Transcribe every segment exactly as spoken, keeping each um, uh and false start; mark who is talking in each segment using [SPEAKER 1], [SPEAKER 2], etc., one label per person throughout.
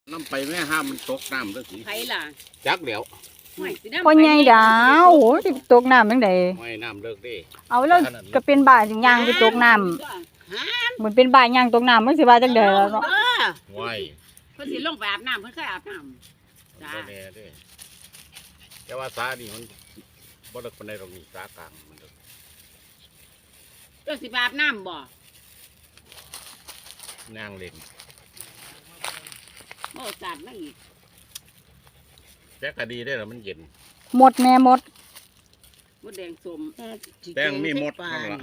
[SPEAKER 1] น้ำไปแม่ห้ามมันตกน้ำแล้วสิ
[SPEAKER 2] ไผล่ะ
[SPEAKER 1] จักเดี๋ยว
[SPEAKER 2] ห่วยสิน้ำ
[SPEAKER 3] พ่อใหญ่ดาวโอ้ยสิตกน้ำจังได๋
[SPEAKER 1] ไม่น้ำเลิกดิ
[SPEAKER 3] เอาแล้วก็เป็นบ้าสิย่างไปตกน้ำเหมือนเป็นบ้าย่างตกน้ำมันสิว่าจังได๋แล้วเนาะ
[SPEAKER 2] เออ
[SPEAKER 1] ไว้
[SPEAKER 2] เพิ่นสิลงไปอาบน้ำเพิ่นเคยอาบน้ำจ้า
[SPEAKER 1] บ่แน่เด้แต่ว่าสานี่มันบ่เลิกปานใดหรอกนี่สากลางมันเลิก
[SPEAKER 2] เจ้าสิไปอาบน้ำบ่
[SPEAKER 1] นางเล่น
[SPEAKER 2] โอ้จัดมาอีก
[SPEAKER 1] แต่ก็ดีได้อล่ะมันเย็น
[SPEAKER 3] หมดแม่หมด
[SPEAKER 2] มดแดงสม
[SPEAKER 1] แป้งมีหมดนั่นล่ะ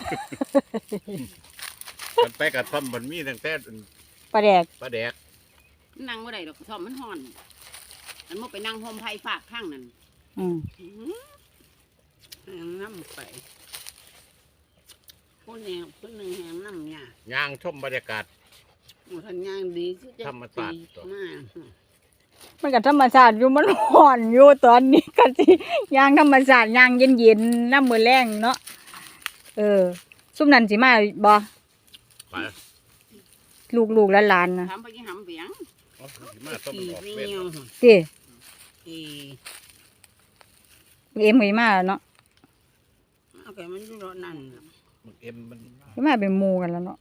[SPEAKER 1] มันไปกระท่อมมันมีตั้งแต่
[SPEAKER 3] ปลาแดก
[SPEAKER 1] ปลาแดก
[SPEAKER 2] นั่งบ่ได้ดอกกระท่อมมันฮ้อนอันบ่ไปนั่งห่มไผ่ฝากข้างนั่น
[SPEAKER 3] อืม
[SPEAKER 2] แหงน้ำไปคนแนวคนหนึ่งแหงน้ำเนี่ย
[SPEAKER 1] ย่างชมบรรยากาศ
[SPEAKER 2] หมดทันย่างดีคือจะ
[SPEAKER 1] ธรรมชาติ
[SPEAKER 2] ตีมาก
[SPEAKER 3] มันก็ธรรมชาติอยู่มันร้อนอยู่ตอนนี้ก็สิย่างธรรมชาติย่างเย็นๆน้ำมื้อแรงเนาะเออซุมนั้นสิมาบ่
[SPEAKER 1] ไป
[SPEAKER 3] ลูกๆหลานๆนะ
[SPEAKER 2] ทำไปยังหำเบียง
[SPEAKER 1] เอาสิมาต้ม
[SPEAKER 2] ตี
[SPEAKER 1] ออก
[SPEAKER 2] ไม่
[SPEAKER 1] เว้น
[SPEAKER 2] เงียว
[SPEAKER 3] ติ
[SPEAKER 2] ตี
[SPEAKER 3] เอ็มก็มาแล้วเนาะ
[SPEAKER 2] เอาแกมันอยู่รถนั่น
[SPEAKER 1] มันเอ็มมัน
[SPEAKER 3] สิมาเป็นหมู่กันแล้วเนาะ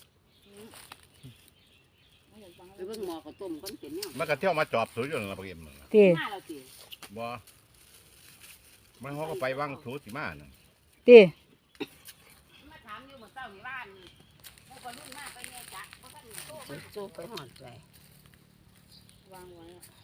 [SPEAKER 2] ไปเบิ่งหมอข้าวต้มก้อนเป็นเนี่ย
[SPEAKER 1] มันก็เที่ยวมาจอบสูอยู่นั่นล่ะบ่เอ็มนั่นล่ะ
[SPEAKER 3] ติ
[SPEAKER 2] มาแล้วสิ
[SPEAKER 1] บ่มันเขาก็ไปวางสูสิมานั่น
[SPEAKER 3] ติ
[SPEAKER 2] มาถามอยู่เมื่อเช้านี่บ้านพวกรุ่นมาไปเนี่ยจักเพราะท่านโตโตไปหอดใจวางไว้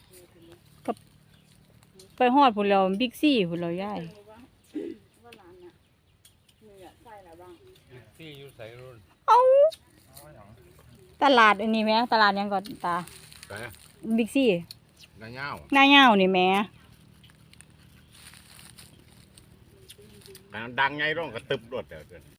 [SPEAKER 3] ไปฮอดพุ่นแล้วบิ๊กซีพุ่นแล้วยาย
[SPEAKER 2] ว่าร้านน่ะมีอะใส่ละบ้าง
[SPEAKER 1] ที่อยู่ใส่รุ่น
[SPEAKER 3] เอ้าตลาดอันนี้แหมตลาดหยังก่อนตา
[SPEAKER 1] แต่
[SPEAKER 3] บิ๊กซี
[SPEAKER 1] นายาว
[SPEAKER 3] หน้าเหย้านี่แหม
[SPEAKER 1] ดังไงร้องกระตึบรถเดี๋ยว